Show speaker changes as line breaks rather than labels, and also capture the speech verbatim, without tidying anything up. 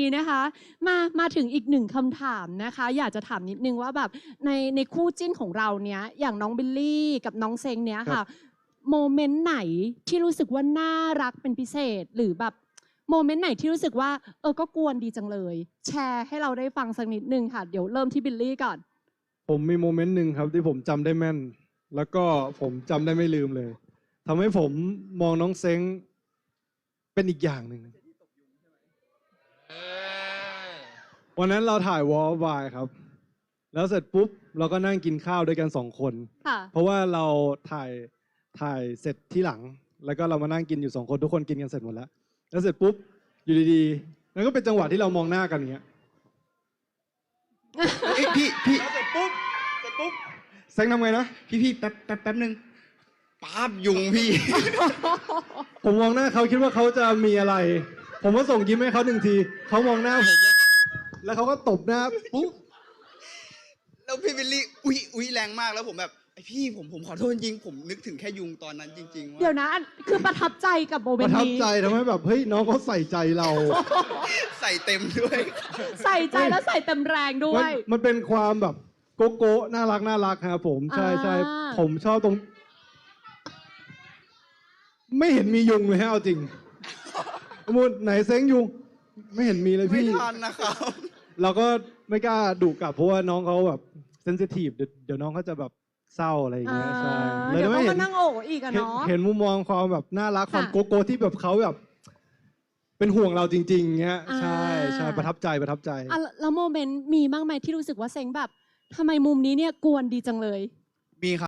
นี้นะคะมามาถึงอีกหนึ่งคำถามนะคะอยากจะถามนิดนึงว่าแบบในในคู่จิ้นของเราเนี้ยอย่างน้องบิลลี่กับน้องเซงเนี้ยค่ะโมเมนต์ไหนที่รู้สึกว่าน่ารักเป็นพิเศษหรือแบบโมเมนต์ไหนที่รู้สึกว่าเออก็กวนดีจังเลยแชร์ให้เราได้ฟังสักนิดนึงค่ะเดี๋ยวเริ่มที่บิลลี่ก่อน
ผมมีโมเมนต์หนึ่งครับที่ผมจำได้แม่นแล้วก็ผมจำได้ไม่ลืมเลยทำให้ผมมองน้องเซ้งเป็นอีกอย่างหนึ่งวันนั้นเราถ่ายวอลวายครับแล้วเสร็จปุ๊บเราก็นั่งกินข้าวด้วยกันสองคนเพราะว่าเราถ่ายถ่ายเสร็จที่หลังแล้วก็เรามานั่งกินอยู่สองคนทุกคนกินกันเสร็จหมดแล้วแล้วเสร็จปุ๊บอยู่ดีๆแล้วก็เป็นจังหวะที่เรามองหน้ากันอย่างเงี้ย
เอ้ยพี่พี่
เสร็จปุ๊บเสร็จปุ๊บเซ้งทำไงนะ
พี่พี่แป๊บแป๊บแป๊บนึงป๊าบยุงพี่
ผมมองหน้าเขาคิดว่าเขาจะมีอะไร ผมก็ส่งยิ้มให้เขาหนึ่งทีเขามองหน้าผมแล้วเขาก็ตบหน้าปุ๊บ
แล้วพี่วิลลี่อุ๊ยอุ๊ยแรงมากแล้วผมแบบไอพี่ผมผมขอโทษจริงผมนึกถึงแค่ยุงตอนนั้นจริงๆว่า
เดี๋ยวนะคือประทับใจกับโมเม
ป
น
ระ
ต์
ทับ
นี้
ใจทำให้แบบเฮ้ยน้องเขาใส่ใจเรา
ใส่เต็มด้วย
ใส่ใจแล้วใส่เต็มแรงด้ว
มัน
ย
มันเป็นความแบบโกโก้น่ารักน่ารักครับผมใช่ใช่
อ่า
ผมชอบตรง ไม่เห็นมียุงเลยฮะเอาจริงมูดไหนเซ้งยุง ไม่เห็นมีเลย
ไม่
พี่
ทันนะครับ
เราก็ไม่กล้าดุกลับเพราะว่าน้องเขาแบบเซนซิทีฟเดี๋ยวเดี๋ยวน้องเขาจะแบบเศร้าอะไรอย่างเงี้ยใช่
เดี๋ยว
ไม่
เขา
เห็
มาน นั่งโอ้อีกอะ
เห็น
เนาะ
เห็นมุมมองความแบบน่ารักความ
ค่ะ
โกโก้ที่แบบเขาแบบ เป็นห่วงเราจริงๆเงี้ย
อ่า
ใช่ใช่ประทับใจประทับใจ
อ่ะแล้วโมเมนต์มีบ้างไหมที่รู้สึกว่าเซ็งแบบทำไมมุมนี้เนี่ยกวนดีจังเลย